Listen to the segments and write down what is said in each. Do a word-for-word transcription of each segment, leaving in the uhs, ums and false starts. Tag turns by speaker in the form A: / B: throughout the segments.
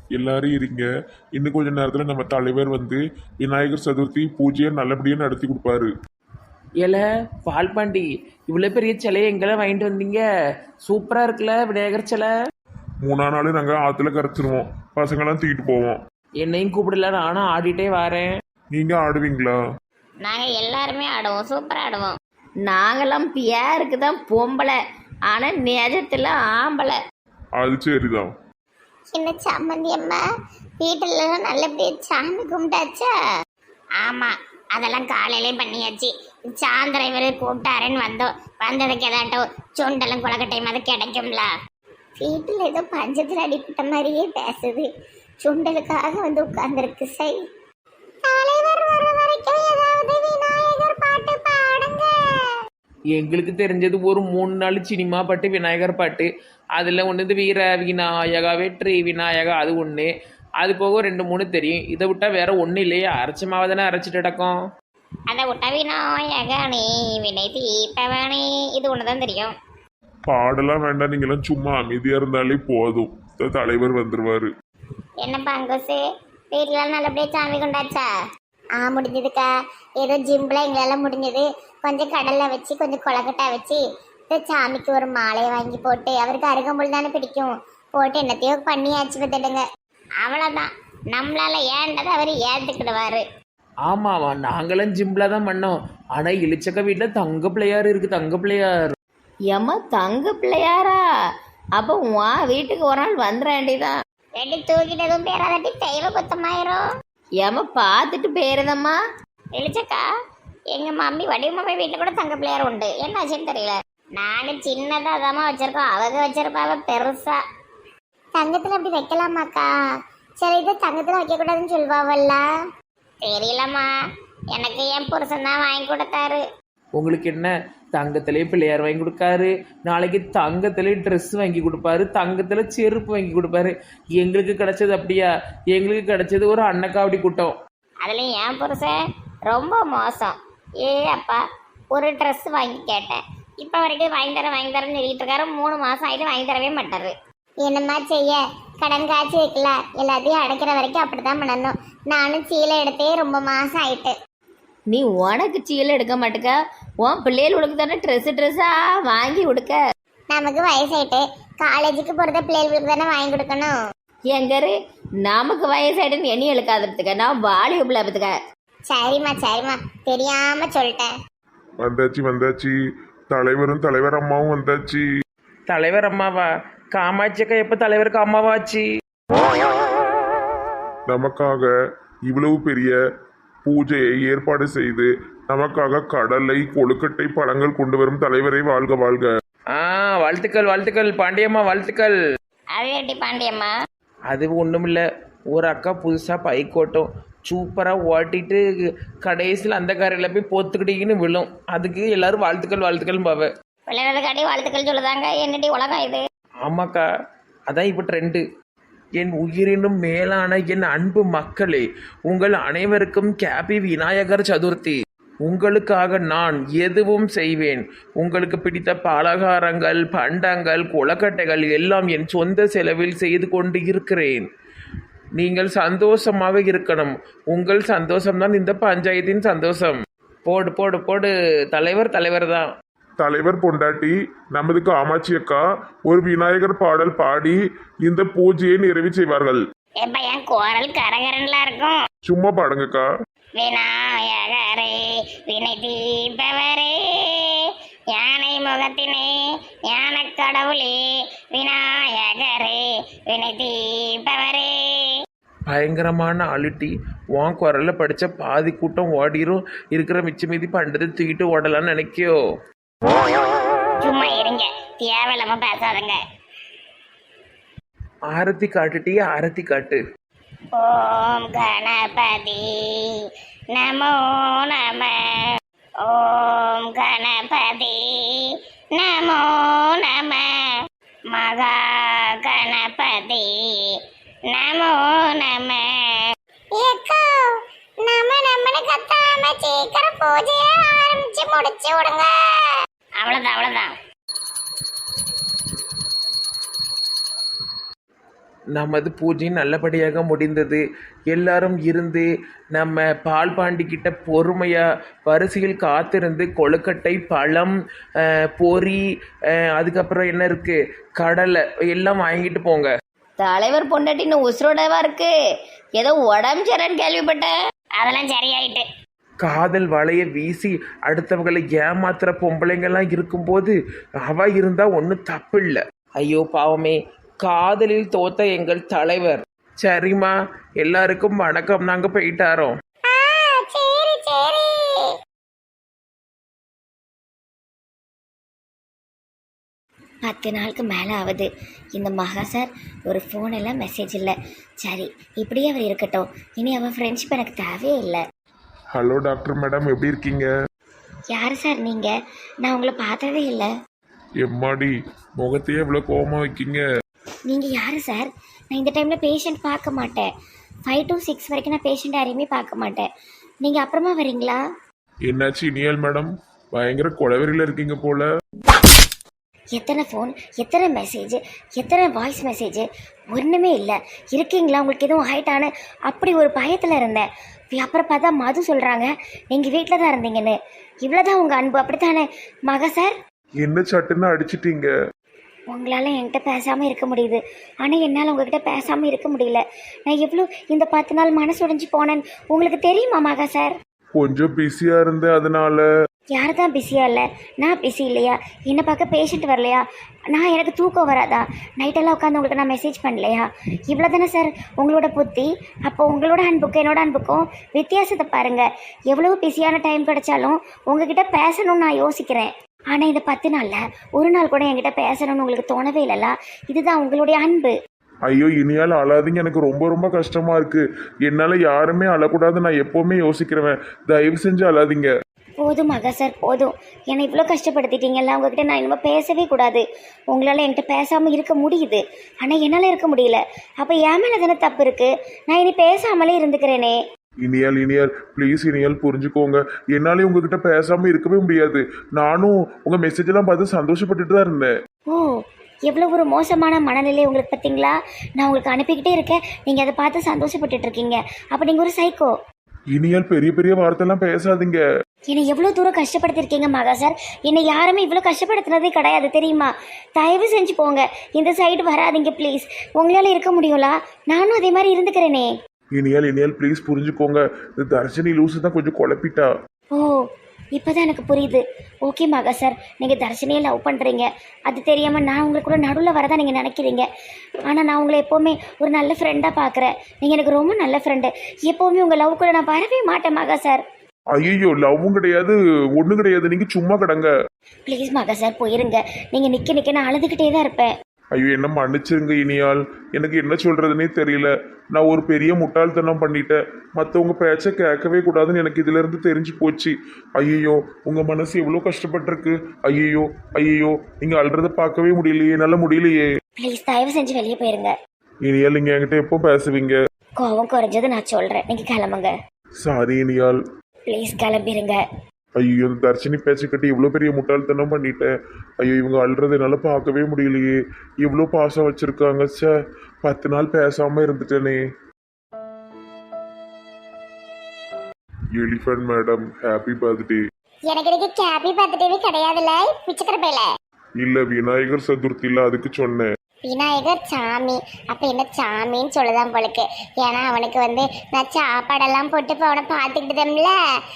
A: எல்லாரும் இருங்க. இன்னும் கொஞ்ச நேரத்துல நம்ம தலைவர் வந்து விநாயகர் சதுர்த்தி பூஜையை நல்லபடியா நடத்தி கொடுப்பாரு.
B: ஏல பால்பாண்டி, இவ்வளோ பெரிய சிலையை எங்கெல்லாம் வாங்கிட்டு வந்தீங்க? சூப்பராக இருக்குல்ல விநாயகர் சிலை.
A: மூணா நாள் நாங்க ஆத்துல கரைச்சிருவோம், பசங்கெல்லாம் தூக்கிட்டு போவோம்.
B: என்னையும் கூப்பிடல, நானும் ஆடிட்டே வரேன்.
A: நீங்க ஆடுவீங்களா?
C: நாங்க எல்லாருமே ஆடுவோம், சூப்பரா ஆடுவோம்.
D: நாங்கெல்லாம் பியாருக்கு தான் பொம்பளை, ஆனால் நிஜத்தில் ஆம்பளை.
A: அது சரிதான்.
C: சின்ன சம்மந்தி அம்மா வீட்டுல நல்லபடியா சாமி கும்பிட்டாச்சா? ஆமா, அதெல்லாம் காலையிலே பண்ணியாச்சு. சாயந்தரம் இவரு கூப்பிட்டாருன்னு வந்தோம். வந்ததுக்கு ஏதாட்டும் சுண்டலும் குளக்கட்டையும் அது கிடைக்கும்ல. வீட்டுல ஏதோ பஞ்சத்துல அடிப்பட்ட மாதிரியே பேசுது. சுண்டலுக்காக வந்து உட்கார்ந்துருக்கு. சை தலைவர் வர வரைக்கும் ஏதாவது விநாயகர் பாட்டு பாடுங்க.
B: எங்களுக்கு தெரிஞ்சது ஒரு மூணு நாள் சினிமா பாட்டு, விநாயகர் பாட்டு. அதில் ஒன்று இது வீர விநாயகா வெற்றி விநாயகா, அது ஒன்று. அது போக ரெண்டு மூணு தெரியும். இதை விட்டால் வேற ஒன்றும் இல்லையா? அரைச்ச மாவை தானே அரைச்சிட்டு கிடக்கும்.
C: அதை விட்டா விநாயகனே வினை தீபவனே, இது ஒண்ணுதான் தெரியும்.
A: பாடலாம் வேண்டாம், நீங்களாம் சும்மா அமைதியா இருந்தாலே போதும். த- தலைவர் வந்துருவாரு.
C: என்ன பங்கோசு, வீட்டுல நல்லபடியா சாமி கொண்டாச்சா? ஆ முடிஞ்சதுக்கா. ஏதோ ஜிம்பில் எங்களால் முடிஞ்சது. கொஞ்சம் கடலை வச்சு கொஞ்சம் கொலக்கட்டை வச்சு இந்த சாமிக்கு ஒரு மாலையை வாங்கி போட்டு, அவருக்கு அருகம்புல் தானே பிடிக்கும், போட்டு என்னத்தையோ பண்ணியாச்சு பார்த்துடுங்க. அவ்வளோதான், நம்மளால ஏண்டதை அவர் ஏற்றுக்கிடுவார்.
B: ஆமாவா, நாங்களும் ஜிம்பில் தான் பண்ணோம். ஆனால் இளிச்சக்க வீட்டில் தங்க பிள்ளையார் இருக்குது, தங்க பிள்ளையார்.
D: ஏம்மா தங்க பிள்ளையாரா? அப்போ உன் வீட்டுக்கு ஒரு நாள் வந்துட வேண்டியதான்.
C: ரெண்டு தூக்கிட்டதும் பேராதட்டி தெய்வ குத்தமாயிரும்.
D: ஏம்மா பார்த்துட்டு போயிருதம்மா.
C: எழுச்சக்கா, எங்க மம்மி வடிவமாவே வீட்டுல கூட தங்க பிள்ளையார் உண்டு. என்ன ஆச்சுன்னு தெரியல. நானும் சின்னதா தாமா வச்சிருக்கோம், அவங்க வச்சிருப்பாவ பெருசா. தங்கத்துல அப்படி வைக்கலாமாக்கா? சரி, இது தங்கத்துல வைக்க கூடாதுன்னு சொல்வாவல்ல. தெரியலம்மா, எனக்கு என் புருஷன் தான் வாங்கி கொடுத்தாரு.
B: உங்களுக்கு என்ன, தங்கத்திலே பிள்ளையார் வாங்கி கொடுக்காரு, நாளைக்கு தங்கத்திலே ட்ரெஸ் வாங்கி கொடுப்பாரு, தங்கத்தில் செருப்பு வாங்கி கொடுப்பாரு. எங்களுக்கு கிடைச்சது அப்படியா? எங்களுக்கு கிடைச்சது ஒரு அன்னக்காவடி கூட்டம்.
C: அதுலயும் என் புருஷன் ரொம்ப மோசம். ஏ அப்பா, ஒரு ட்ரெஸ் வாங்கி கேட்டேன், இப்போ வரைக்கும் வாங்கி தரேன் வாங்கி தரேன்னு சொல்லிட்டு இருக்காரு. மூணு மாசம் ஆயிட்டு வாங்கி தரவே மாட்டாரு. என்னம்மா செய்ய, கடன் காய்ச்சி வைக்கல, எல்லாத்தையும் அடைக்கிற வரைக்கும் அப்படித்தான் பண்ணணும். நானும் சீலை எடுத்தே ரொம்ப மாசம் ஆயிட்டு.
D: நீ உனக்கு சீலை எடுக்க மாட்டுக்க, உன் பிள்ளைகளுக்கு தானே ட்ரெஸ்ஸு ட்ரெஸ்ஸாக வாங்கி கொடுக்க.
C: நமக்கு வயசாயிட்டு காலேஜுக்கு போகிறத பிள்ளைகளுக்கு தானே வாங்கி கொடுக்கணும்.
D: எங்கரு நமக்கு வயசாயிடுன்னு எண்ணி எழுக்காததுக்க, நான் வாலி உப்பிலாபத்துக்க.
C: சரிம்மா சரிம்மா, தெரியாம சொல்லிட்டேன்.
A: வந்தாச்சு வந்தாச்சு, தலைவரும் தலைவர் அம்மாவும் வந்தாச்சு.
B: தலைவர் அம்மாவா? காமாட்சி அக்கா எப்போ தலைவருக்கு அம்மாவாச்சு?
A: நமக்காக இவ்வளவு பெரிய பூஜையை ஏற்பாடு செய்து நமக்காக கடலை கொழுக்கட்டை பழங்கள் கொண்டு வரும் தலைவரை வாழ்க வாழ்க.
B: ஆ, வாழ்த்துக்கள் வாழ்த்துக்கள் பாண்டியம்மா, வாழ்த்துக்கள்.
C: அது எப்படி பாண்டியம்மா?
B: அது ஒன்றும் இல்லை, ஒரு அக்கா புதுசாக பைக் ஓட்டும், சூப்பராக ஓட்டிட்டு கடைசியில் அந்த காரையில் போய் பொத்துக்கிட்டீங்கன்னு விழும். அதுக்கு எல்லாரும் வாழ்த்துக்கள் வாழ்த்துக்கள் பாவ.
C: விளையாடுறதுக்காண்டி வாழ்த்துக்கள் சொல்லுதாங்க. என்னடி உலகம் இது?
B: ஆமாக்கா, அதான் இப்போ ட்ரெண்டு. என் உயிரினும் மேலான என் அன்பு மக்களே, உங்கள் அனைவருக்கும் கேபி விநாயகர் சதுர்த்தி. உங்களுக்காக நான் எதுவும் செய்வேன். உங்களுக்கு பிடித்த பலகாரங்கள், பண்டங்கள், கொலக்கட்டைகள் எல்லாம் என் சொந்த செலவில் செய்து கொண்டு இருக்கிறேன். நீங்கள் சந்தோஷமாக இருக்கணும். உங்கள் சந்தோஷம்தான் இந்த பஞ்சாயத்தின் சந்தோஷம். போடு போடு போடு, தலைவர் தலைவர் தான்.
A: தலைவர் பொண்டாட்டி நமது காமாட்சி அக்கா ஒரு விநாயகர் பாடல் பாடி இந்த பூஜையை நிறைவு செய்வார்கள்.
C: எப்ப என் குரல் கரகரன்லாம் இருக்கும்.
A: சும்மா பாடுங்கக்கா.
C: விநாயகரே வினை தீபவரே, யானை முகத்தினே ஞான கடவுளே, விநாயகரே வினை தீபவரே.
B: பயங்கரமான அழுட்டி உன் குரலில் படித்த பாதி கூட்டம் ஓடிரும். இருக்கிற மிச்ச மீதி பண்ணுறது தூக்கிட்டு ஓடலான்னு நினைக்கியோ?
C: சும்மா இருங்க, தேவையில்லாம பேசாதுங்க.
B: ஆரத்தி காட்டுட்டியே, ஆரத்தி காட்டு.
C: ஓம் கணபதி நமோ நம, ஓம் கணபதி நமோ நம, மகா கணபதி நமோ நம. நம்ம நம்மனு கத்தாம சீக்கிரம் பூஜையை ஆரம்பிச்சு முடிச்சு விடுங்க. அவ்வளவுதான் அவ்வளவுதான்.
B: நமது பூஜை நல்லபடியாக முடிந்தது. எல்லாரும் இருந்து நம்ம பால் பாண்டிக்கிட்ட பொறுமையாக வரிசையில் காத்திருந்து கொழுக்கட்டை, பழம், அஹ், பொரி, அஹ், அதுக்கப்புறம் என்ன இருக்குது, கடலை எல்லாம் வாங்கிட்டு போங்க.
D: தலைவர் பொண்டாட்டி இன்னும் உசுரோடவா இருக்கு? ஏதோ உடம்பு சரின்னு கேள்விப்பட்டேன்.
C: அதெல்லாம் சரியாயிட்டு.
B: காதல் வலையை வீசி அடுத்தவங்களை ஏமாத்துற பொம்பளைங்கெல்லாம் இருக்கும்போது அவ இருந்தால் ஒன்றும் தப்பு இல்லை. ஐயோ பாவமே, காதலில் தோத்த எங்கள் தலைவர். சரிம்மா, எல்லாருக்கும் வணக்கம், நாங்கள் போயிட்டாரோம்.
C: ஆ, சரி சரி.
D: பத்து நாளுக்கு மேலே ஆகுது. இந்த மகா சார் ஒரு ஃபோன் எல்லாம் மெசேஜ் இல்லை. சரி, இப்படியே அவர் இருக்கட்டும். இனி அவன் ஃப்ரெண்ட்ஷிப் எனக்கு தேவையே இல்லை.
A: ஹலோ டாக்டர் மேடம், எப்படி இருக்கீங்க?
D: யார் சார் நீங்கள்? நான் உங்களை பார்த்ததே இல்லை.
A: எம்மாடி, முகத்தையே இவ்வளோ கோவமா வைக்கீங்க?
D: நீங்கள் யார் சார்? நான் இந்த டைமில் பேஷண்ட் பார்க்க மாட்டேன். ஃபைவ் டு சிக்ஸ் வரைக்கும் நான் பேஷண்ட் யாரையுமே பார்க்க மாட்டேன். நீங்கள் அப்புறமா வரீங்களா?
A: என்னாச்சு இனியால் மேடம், பயங்கர கொலவெறியில் இருக்கீங்க போல.
D: எத்தனை ஃபோன், எத்தனை மெசேஜ், எத்தனை வாய்ஸ் மெசேஜ், ஒன்றுமே இல்லை. இருக்கீங்களா, உங்களுக்கு எதுவும் ஆயிட்டான்னு அப்படி ஒரு பயத்தில் இருந்தேன். அப்புறம் பார்த்தா மது சொல்கிறாங்க நீங்கள் வீட்டில் தான் இருந்தீங்கன்னு. இவ்வளோதான் உங்கள் அன்பு, அப்படித்தானே மகா சார்?
A: என்ன சட்டுன்னு அடிச்சிட்டீங்க?
D: உங்களால் என்கிட்ட பேசாமல் இருக்க முடியுது, ஆனால் என்னால் உங்ககிட்ட பேசாமல் இருக்க முடியல. நான் எவ்வளோ இந்த பத்து நாள் மனசு உடைஞ்சு போனேன்னு உங்களுக்கு தெரியுமா மகா சார்?
A: கொஞ்சம் பிஸியாக இருந்தேன், அதனால.
D: யார் தான் பிஸியாக இல்லை? நான் பிஸி இல்லையா? என்னை பார்க்க பேஷண்ட் வரலையா? நான் எனக்கு தூக்கம் வராதா? நைட்டெல்லாம் உட்காந்து உங்களுக்கு நான் மெசேஜ் பண்ணலையா? இவ்வளோ தானே சார் உங்களோட புத்தி. அப்போ உங்களோட அன்புக்கும் என்னோட அன்புக்கும் வித்தியாசத்தை பாருங்கள். எவ்வளோ பிஸியான டைம் கிடைச்சாலும் உங்ககிட்ட பேசணும்னு நான் யோசிக்கிறேன். ஆனால் இந்த பத்து நாளில் ஒரு நாள் கூட என்கிட்ட பேசணும்னு உங்களுக்கு தோணவே இல்லைல்ல? இதுதான் உங்களுடைய அன்பு.
A: ஐயோ இனியால் அழாதீங்க, எனக்கு ரொம்ப ரொம்ப கஷ்டமா இருக்கு. என்னால் யாருமே அழக்கூடாது, நான் எப்போவுமே யோசிக்கிறவன். தயவு செஞ்சு அழாதீங்க.
D: போதும் மகா சார், போதும். என்னை இவ்வளோ கஷ்டப்படுத்திட்டீங்கல்ல, உங்ககிட்ட நான் இனிமேல் பேசவே கூடாது. உங்களால் என்கிட்ட பேசாமல் இருக்க முடியுது, ஆனால் என்னால் இருக்க முடியல. அப்போ என் மேலே தானே தப்பு இருக்குது. நான் இனி பேசாமலே இருந்துக்கிறேனே.
A: இனியால் இனியால் ப்ளீஸ் இனியால் புரிஞ்சுக்கோங்க. என்னாலே உங்ககிட்ட பேசாமல் இருக்கவே முடியாது. நானும் உங்கள் மெசேஜ் எல்லாம் பார்த்து சந்தோஷப்பட்டுட்டு தான் இருந்தேன்.
D: ஓ, எவ்வளோ ஒரு மோசமான மனநிலை உங்களுக்கு பார்த்தீங்களா? நான் உங்களுக்கு அனுப்பிக்கிட்டே இருக்கேன், நீங்கள் அதை பார்த்து சந்தோஷப்பட்டுட்டு இருக்கீங்க. அப்போ நீங்கள் ஒரு சைக்கோ.
A: இனியால் பெரிய பெரிய வார்த்தைலாம் பேசாதீங்க.
D: என்னை எவ்வளோ தூரம் கஷ்டப்படுத்திருக்கீங்க மகா சார். என்னை யாருமே இவ்வளோ கஷ்டப்படுத்தினதே கிடையாது தெரியுமா? தயவு செஞ்சு போங்க, இந்த சைடு வராதிங்க ப்ளீஸ். உங்களால் இருக்க முடியுங்களா? நானும் அதே மாதிரி இருந்துக்கிறேனே.
A: இனியால் இனியால் ப்ளீஸ் புரிஞ்சுக்கோங்க. இந்த தர்ஷினி லூசு தான் கொஞ்சம் குழப்பிட்டா.
D: ஓ, இப்போதான் எனக்கு புரியுது. ஓகே மகா சார், நீங்கள் தர்ஷினியை லவ் பண்ணுறீங்க, அது தெரியாமல் நான் உங்களுக்கு கூட நடுவில் வரதான் நீங்கள் நினைக்கிறீங்க. ஆனால் நான் உங்களை எப்போவுமே ஒரு நல்ல ஃப்ரெண்டாக பார்க்குறேன். நீங்கள் எனக்கு ரொம்ப நல்ல ஃப்ரெண்டு. எப்போவுமே உங்கள் லவ் கூட நான் வரவே மாட்டேன் மகா சார்.
A: ஐயோ, லவ்வும் கிடையாது ஒன்றும் கிடையாது, நீங்கள் சும்மா கிடங்க.
D: ப்ளீஸ் மகா சார் போயிருங்க. நீங்கள் நிற்க நிற்க நான் அழுதுகிட்டே தான் இருப்பேன்.
A: ஐயோ என்ன மன்னிச்சிருங்க இனியால், எனக்கு என்ன சொல்கிறதுனே தெரியல. நான் ஒரு பெரிய முட்டாள்தனம் பண்ணிட்டேன். மற்றவங்க பேச்சை கேட்கவே கூடாதுன்னு எனக்கு இதிலேருந்து தெரிஞ்சு போச்சு. ஐயோ, உங்கள் மனசு எவ்வளோ கஷ்டப்பட்டிருக்கு. ஐயோ ஐயோ, நீங்கள் அழுறதை பார்க்கவே முடியலையே, என்னால் முடியலையே.
D: ப்ளீஸ் தயவு செஞ்சு வெளியே போயிருங்க.
A: இனியால் நீங்கள் என்கிட்ட எப்போ பேசுவீங்க?
D: கோவம் குறைஞ்சது நான் சொல்கிறேன், நீங்கள் கிளம்புங்க.
A: சாரி இனியால்.
D: ப்ளீஸ் கிளம்பிடுங்க.
A: ஐயோ, இந்த தர்ஷினி பேச்சு கட்டி இவ்வளோ பெரிய முட்டாள்தனம் பண்ணிட்டேன். ஐயோ, இவங்க அழுறது என்னால் பார்க்கவே முடியலையே. இவ்வளோ பாசம் வச்சுருக்காங்க. சே, பத்து நாள் பேசாமல் இருந்துட்டேனே. Elephant madam, happy birthday.
C: எனக்கு இதுக்கு ஹாப்பி பர்த்டேவே கிடையாதுல்ல பிச்சைக்கிற பையில.
A: இல்லை, விநாயகர் சதுர்த்தியில் அதுக்கு சொன்னேன்.
C: விநாயகர் சாமி, அப்ப என்ன சாமின்னு சொல்லுதான் போலுக்கு. ஏன்னா அவனுக்கு வந்து நான் சாப்பாடெல்லாம் போட்டு இப்போ அவனை பார்த்துக்கிட்டுதம்ல.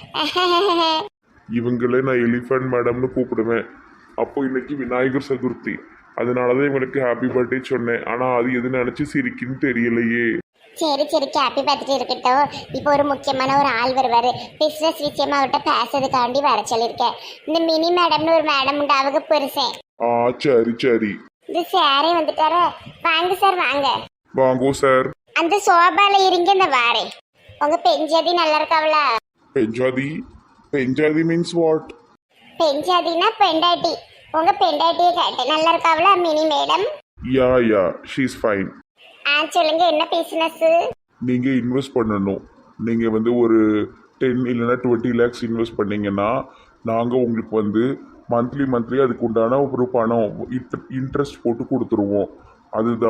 A: இவங்களே நான் எலிஃபண்ட் மேடம்னு கூப்பிடுவேன். அப்போ இன்னைக்கு விநாயகர் சதுர்த்தி, அதனால தான் இவங்களுக்கு ஹாப்பி பர்த்டே சொன்னேன். ஆனால் அது எது நினச்சி சிரிக்குன்னு தெரியலையே.
C: சரி சரி, ஹாப்பி பர்த்டே இருக்கட்டும். இப்போ ஒரு முக்கியமான ஒரு ஆள் வருவார். பிஸ்னஸ் விஷயமா அவர்கிட்ட பேசுறதுக்காண்டி வர சொல்லியிருக்கேன். இந்த மினி மேடம்னு ஒரு மேடம் உண்டு, அவங்க பெருசேன்.
A: ஆ சரி சரி.
C: இந்த சாரே வந்துட்டாரு. வாங்க சார் வாங்க.
A: வாங்கோ சார்.
C: அந்த சோபால இருங்க, இந்த வாரே. உங்க பெஞ்சாதி நல்லா இருக்காவளா?
A: பெஞ்சாதி? பெஞ்சாதி மீன்ஸ் வாட்?
C: பெஞ்சாதினா பெண்டாட்டி. உங்க பெண்டாட்டியை கேட்டேன், நல்லா இருக்காவளா Mini madam?
A: Yeah yeah, she's fine.
C: ஆ சொல்லுங்க, என்ன பிசினஸ்?
A: நீங்கள் இன்வெஸ்ட் பண்ணணும். நீங்கள் வந்து ஒரு டென் இல்லைன்னா டுவெண்ட்டி லேக்ஸ் இன்வெஸ்ட் பண்ணீங்கன்னா நாங்கள் உங்களுக்கு வந்து மந்த்லி மந்த்லி அதுக்கு உண்டான ஒரு பணம் இன்ட்ரெஸ்ட் போட்டு கொடுத்துருவோம். அதுதான்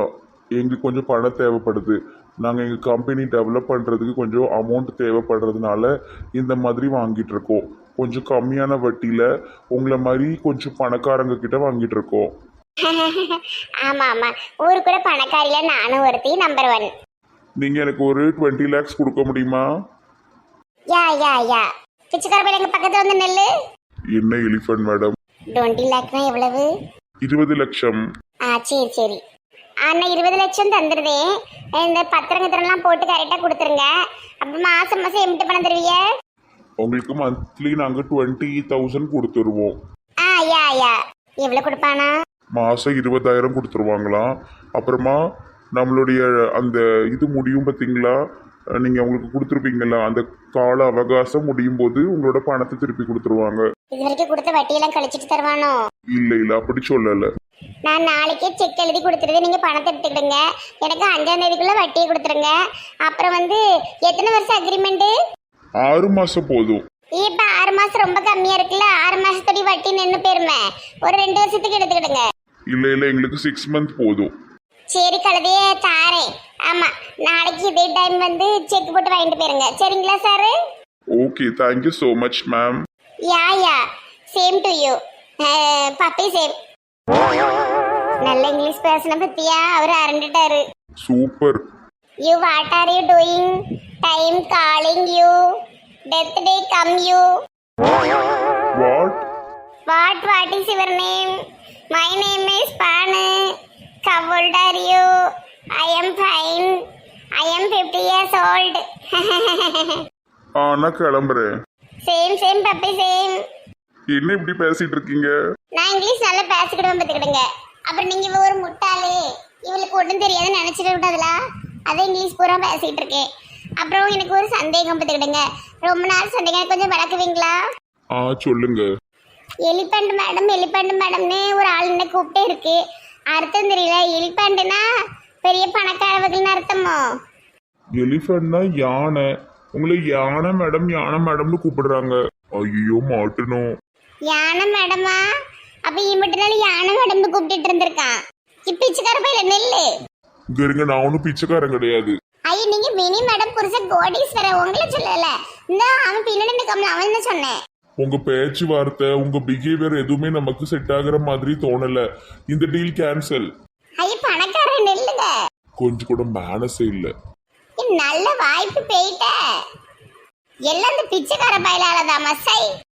A: எங்களுக்கு கொஞ்சம் பணம் தேவைப்படுது. நாங்கள் எங்கள் கம்பெனி டெவலப் பண்ணுறதுக்கு கொஞ்சம் அமௌண்ட் தேவைப்படுறதுனால இந்த மாதிரி வாங்கிட்டு இருக்கோம். கொஞ்சம் கம்மியான வட்டியில் உங்களை மாதிரி கொஞ்சம் பணக்காரங்க கிட்ட வாங்கிட்டு இருக்கோம்.
C: ஆமா ஆமா, ஊருக்குள்ள பணக்காரில நானும் ஒருத்தி, நம்பர் ஒன்.
A: நீங்கள் எனக்கு ஒரு டுவெண்ட்டி லேக்ஸ் கொடுக்க முடியுமா?
C: யா யா யா பிச்சைக்கார பையன் எங்க பக்கத்துல வந்து நெல்லு.
A: என்ன எலிஃபண்ட் மேடம்?
C: டுவெண்ட்டி லேக்னா எவ்வளவு?
A: இருபது லட்சம்.
C: ஆ சரி சரி, அண்ணா இருபது லட்சம் தந்துருதேன். இந்த பத்திரங்கத்திரம்லாம் போட்டு கரெக்டாக கொடுத்துருங்க. அப்போ மாதம் மாதம் எம்பிட்டு பணம் தருவீங்க?
A: உங்களுக்கு மந்த்லி நாங்கள் டுவெண்ட்டி தௌசண்ட் கொடுத்துருவோம்.
C: ஆ யா யா எவ்வளோ கொடுப்பானா?
A: மாதம் இருபதாயிரம் கொடுத்துருவாங்களாம். அப்புறமா நம்மளுடைய அந்த இது முடியும் பார்த்தீங்களா, நீங்கள் அவங்களுக்கு கொடுத்துருப்பீங்களா, அந்த கால அவகாசம் முடியும் போது உங்களோட பணத்தை திருப்பி கொடுத்துருவாங்க.
C: இது வரைக்கும் கொடுத்த வட்டியெல்லாம் கழிச்சிட்டு தருவானோ?
A: இல்லை இல்லை அப்படி சொல்லலை.
C: நான் நாளைக்கே செக் எழுதி கொடுத்துருது, நீங்கள் பணத்தை எடுத்துக்கிடுங்க. எனக்கு அஞ்சாம் தேதிக்குள்ளே வட்டியை கொடுத்துருங்க. அப்புறம் வந்து எத்தனை வருஷம் அக்ரிமெண்ட்டு?
A: ஆறு மாதம் போதும்.
C: இப்போ ஆறு மாதம் ரொம்ப கம்மியாக இருக்குல்ல, ஆறு மாதத்தோடி வட்டி நின்று போயிருமே. ஒரு ரெண்டு வருஷத்துக்கு எடுத்துக்கிடுங்க.
A: இல்லை இல்லை எங்களுக்கு சிக்ஸ் மந்த் போதும்.
C: சரி கழுதையே தாரேன். ஆமாம், நாளைக்கு இதே டைம் வந்து செக் போட்டு வாங்கிட்டு போயிருங்க. சரிங்களா sir?
A: Okay, thank you so much ma'am.
C: Yeah yeah same to you. Puppy same. நல்ல இங்கிலீஷ் பேசின பத்தியா அவர் அரண்டுட்டாரு.
A: Super.
C: You what are you doing? Time calling you. Death day come you.
A: What?
C: What what is your name? My name is Banu. How old are you? I am fine. I am fifty years old.
A: ஆ நான் கிளம்புறேன்.
C: Same same puppy same.
A: என்ன இப்படி பேசிட்டு இருக்கீங்க?
C: நான் English நல்லா பேசிக்கிடுவேன் பார்த்துக்கிடுங்க. அப்புறம் நீங்க இவ ஒரு முட்டாளே, இவளுக்கு ஒன்றும் தெரியாதுன்னு நினைச்சிட்டு விட்டாதுல, அதை இங்கிலீஷ் பூரா பேசிட்டு இருக்கேன். அப்புறம் எனக்கு ஒரு சந்தேகம் பார்த்துக்கிடுங்க, ரொம்ப நாள் சந்தேகம், கொஞ்சம் விளக்குவீங்களா?
A: ஆ சொல்லுங்க.
C: எலிபண்ட் மேடம் எலிபண்ட் மேடம்னு ஒரு ஆள் என்ன கூப்பிட்டே இருக்கு, அர்த்தம் தெரியல. எலிபண்ட்னா பெரிய பணக்காரவர்கள்னு அர்த்தமோ?
A: எலிஃபண்ட்னா யானை. உங்களை யானை மேடம் யானை மேடம்னு கூப்பிடுறாங்க. ஐயோ மாட்டணும்.
C: யானை மேடமா? அப்ப இம்பிட்டு நாள் யானை மேடம்னு கூப்பிட்டு இருந்திருக்கான். இப்ப பிச்சைக்கார பையில நெல்லு.
A: இங்க இருங்க, நான் ஒன்றும் பிச்சைக்காரன் கிடையாது.
C: ஐயோ நீங்க மினி மேடம் புருஷன் கோடீஸ்வரர், உங்களை சொல்லல. இந்த அவன் பின்னாடி நிற்காமல அவன் தான் சொன்னேன்.
A: உங்க பேச்சுவார்த்தை உங்க பிஹேவியர் எதுவுமே நமக்கு செட் ஆகுற மாதிரி தோணல. இந்த டீல் கேன்சல்.
C: ஐயோ பணக்காரன் நெல்லுங்க.
A: கொஞ்சம் கூட மேனஸே இல்ல.
C: நல்ல வாய்ப்பு போயிட்ட. எல்லாம் இந்த பிச்சைக்கார பயிலாலதான் மசை.